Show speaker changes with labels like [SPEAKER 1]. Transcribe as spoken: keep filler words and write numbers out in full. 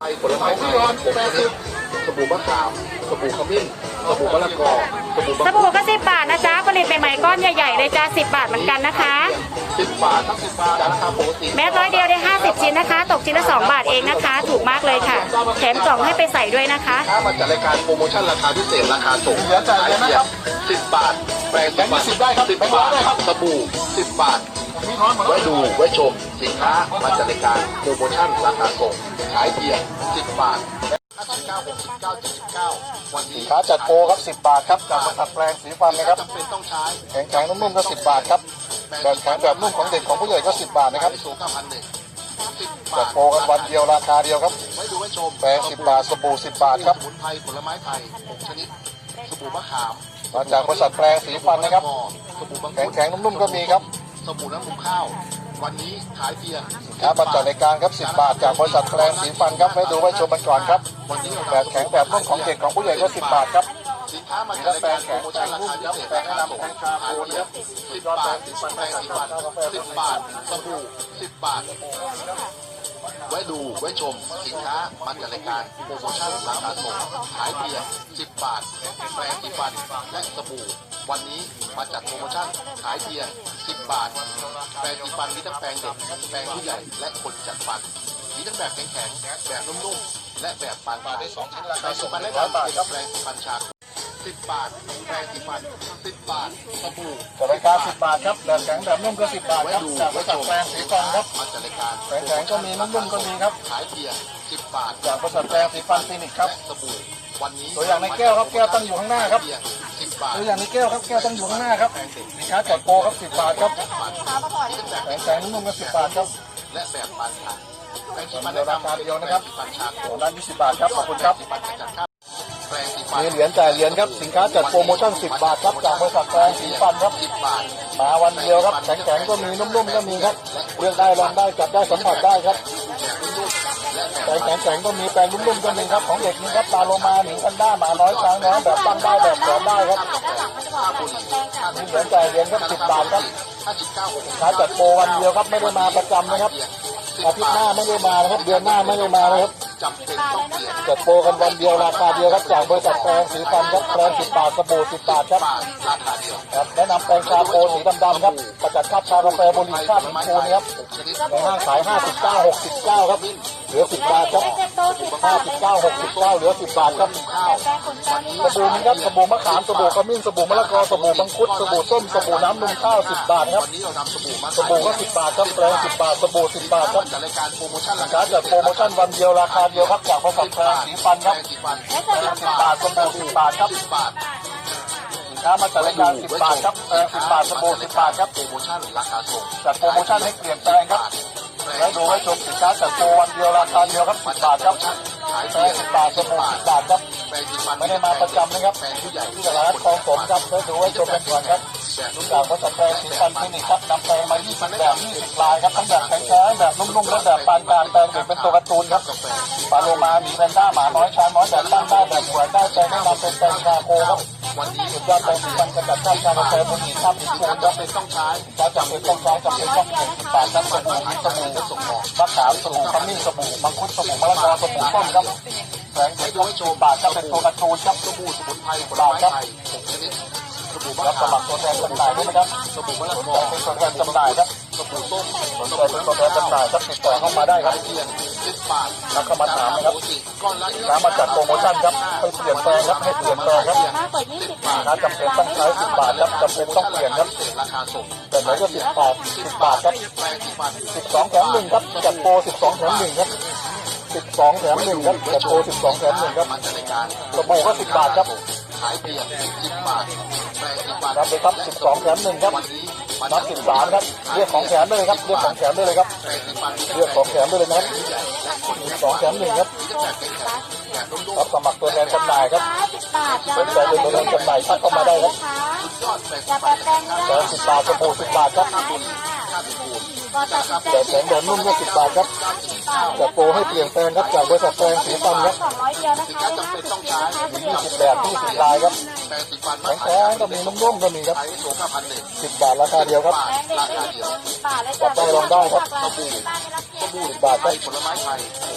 [SPEAKER 1] ผลไม้ไทยแปดสิบสบู่มะขามสบู่ขมิ้นสบู่มะละกอสบู่
[SPEAKER 2] สบู่ก็สิบบาทนะจ๊ะผลิตใหม่ๆก้อนใหญ่ๆเลยจ้าสิบบาทเหมือนกันนะคะ
[SPEAKER 1] สิบบาททั้งสิบบาทราคาปกติ
[SPEAKER 2] แม้ร้อยเดียวได้ห้าสิบชิ้นนะคะตกชิ้นละสองบาทเองนะคะถูกมากเลยค่ะแถมกล่องให้ไปใส่ด้วยนะคะ
[SPEAKER 1] ถ้ามาจากรายการโปรโมชั่นราคาพิเศษราคาส่งเหลือจ่ายเพียงสิบบาทแปดสิบบาทสิบได้ครับสิบบาทสบู่สิบบาทไว้ดูไว้ชมสินค้ามาจากรายการโปรโมชั่นราคาส่งขายเพียงสิบบาทสิบเก้า หกสิบเก้า เจ็ดสิบเก้าวันนี้ขาจัดโปรครับสิบบาทครับจากบริษัทแปลงสีฟันนะครับจำเป็นต้องใช้แข็งแข็งนุ่มๆก็สิบบาทครับแบบแข็งแบบนุ่มของเด็กของผู้ใหญ่ก็สิบบาทนะครับจัดโปรกันวันเดียวราคาเดียวครับไว้ดูไว้ชมแปรงสิบบาทสบู่สิบบาทครับสมุนไพรผลไม้ไทยหกชนิดสบู่มะขามมาจากบริษัทแปลงสีฟันนะครับแข็งแข็งนุ่มๆก็มีครับสบู่น้ำมันข้าววันนี้ขายเพียงครับบัตรจัดรายการครับสิบบาทจากบริษัทแปลงสีฟันครับไว้ดูไว้ชมกันก่อนครับวันนี้แบบแข็งแบบนุ่มของเด็กของผู้ใหญ่ก็สิบบาทครับสินค้ามาจากแปลงแข็งแปลงนุ่มครับแปลงแนะนำแปลงชาโคนะครับสิบบาทสิบบาทแปลงสิบบาทสิบบาทสบู่สิบบาทไว้ดูไว้ชมสินค้ามาจากรายการโปรโมชั่นราคาส่งขายเพียงสิบบาทแปรงสีฟันและสบู่วันนี้มาจัดโปรโมชั่นขายเพียงสิบบาทแปรงสีฟันมีทั้งแปรงเด็กแปรงผู้ใหญ่และคนจัดฟันมีทั้งแบบแข็งๆแบบนุ่มๆและแบบปานกลางได้สองชิ้นราคาส่งมาได้ร้อยบาทครับแปรงสีฟันชาสิบบาทแปรงสีฟันสิบบาทสบู่จากรายการสิบบาทครับแบบแข็งแบบนุ่มก็สิบบาทครับจากบริษัทแปรงสีฟันครับมาจากรายการแข็งแข็งก็มีนุ่มๆก็มีครับขายเพียงสิบบาทจากบริษัทแปรงสีฟันคลินิกครับสบู่วันนี้ตัวอย่างในแก้วครับแก้วตั้งอยู่ข้างหน้าครับตัวอย่างในแก้วครับแก้วตั้งอยู่ข้างหน้าครับสินค้าจัดโปรครับสิบบาทครับแข็งแข็งนุ่มๆก็สิบบาทครับและแบบปานกลางแปรงสีฟันราคาเดียวนะครับโอ้ด้านยี่สิบบาทครับขอบคุณครับมีเหรียญจ่ายเหรียญครับสินค้าจัดโปรโมชั่นสิบบาทครับจากบริษัทแปรงสีฟันครับสิบบาทมาวันเดียวครับแข็งๆก็มีนุ่มๆก็มีครับเลือกได้ลองได้จับได้สัมผัสได้ครับแปรงแข็งๆก็มีแปรงนุ่มๆก็มีครับของเด็กนี่ครับปลาโลมาหนิงกันด้าหมาน้อยช้างน้อยแบบตั้งได้แบบแขวนได้ครับมีเหรียญจ่ายเหรียญครับสิบบาทครับสินค้าจัดโปรวันเดียวครับไม่ได้มาประจำนะครับอาทิตย์หน้าไม่ได้มานะครับเดือนหน้าไม่ได้มานะครับจัดโปรกันวันเดียวราคาเดียวครับจากบริษัทแปรงสีฟันครับแปรงสิบบาทสบู่สิบบาทครับครับแนะนำแปรงชาโคสีดำๆครับประจัดคาบชากาแฟบุหรี่คาบหินปูนครับในห้างขายห้าสิบเก้า หกสิบเก้าครับเหลือสิบบาทครับห้าสิบเก้า หกสิบเก้าเหลือสิบบาทครับสบู่นี้ครับสบู่มะขามสบู่ขมิ้นสบู่มะละกอสบู่มังคุดสบู่ส้มสบู่น้ำนมข้าวสิบบาทครับสบู่ก็สิบบาทครับแปรงสิบบาทสบู่สิบบาทครับรายการโปรโมชั่นราคาจัดโปรโมชั่นวันเดียวราคาเดียวครับจากบริษัทแปรงสีฟันครับสิบบาทสบู่สิบบาทครับสิบบาทสินค้ามาจากรายการสิบบาทครับแปรงสิบบาทสบู่สิบบาทครับโปรโมชั่นราคาส่งจัดโปรโมชั่นให้เปลี่ยนแปลงครับแล้วดูให้ชมสินค้าจัดโปรวันเดียวราคาเดียวครับสิบบาทครับแปรงสิบบาทสบู่สิบบาทครับไม่ได้มาประจำนะครับที่ตลาดคลองสมครับแล้วดูให้ชมกันก่อนครับจากบริษัทแปรงสีฟันคลินิกครับนำแปรงมายี่สิบแบบยี่สิบลายครับทั้งแบบแข็งๆแบบนุ่มๆและแบบปานกลางแปรงเด็กเป็นตัวการ์ตูนครับปลาโลมาหมีแพนด้าหมาน้อยช้างน้อยแบบตั้งได้แบบหัวได้แปรงแนะนำเป็นแปรงชาโคครับวันนี้สุดยอดแปรงสีฟันกระจัดคราบชากาแฟบุหรี่คราบหินปูนจำเป็นต้องใช้จำเป็นต้องใช้จำเป็นต้องเปลี่ยนสิบบาทครับสบู่สบู่มะขามสบู่ขมิ้นสบู่มังคุดสบู่มะละกอสบู่ส้มครับแปรงเด็กต้องโชว์บาทครับเป็นตัวการ์ตูนครับสบู่สมุนไพรผลไม้ไทยรับสมัครตัวแทนจำหน่ายด้วยนะครับสบู่มะละกอเป็นตัวแทนจำหน่ายครับสบู่ส้มสนใจเป็นตัวแทนจำหน่ายครับติดต่อเข้ามาได้ครับเพียงสิบบาทแล้วก็มาถามนะครับน้ำมาจัดโปรโมชั่นครับให้เปลี่ยนแปลงครับให้เปลี่ยนแปลงครับนะจำเป็นต้องใช้สิบบาทครับจำเป็นต้องเปลี่ยนครับแต่ไหนก็สิบบาทสิบบาทครับสิบสองแถมหนึ่งครับจัดโปรสิบสองแถมหนึ่งครับสิบสองแถมหนึ่งครับจัดโปรสิบสองแถมหนึ่งครับสบู่ก็สิบบาทครับขายเพียงสิบบาทรับเลยครับสิบสองแถมหนึ่งครับนับสิบสามครับเรียกของแถมได้เลยครับเรียกของแถมได้เลยครับเรียกของแถมได้เลยนะครับสิบสองแถมหนึ่งครับรับสมัครตัวแทนจำหน่ายครับเป็นใจเป็นตัวแทนจำหน่ายทักเข้ามาได้ครับแถมสิบบาทสบู่สิบบาทครับแต่แถมแบบนุ่มก็สิบบาทครับจัดโปรให้เปลี่ยนแปลงครับจากบริษัทแปรงสีฟันครับมียี่สิบแบบยี่สิบลายครับแข็งๆก็มีนุ่มๆก็มีครับสิบบาทราคาเดียวครับจับได้ลองได้ครับสิบบาทครับ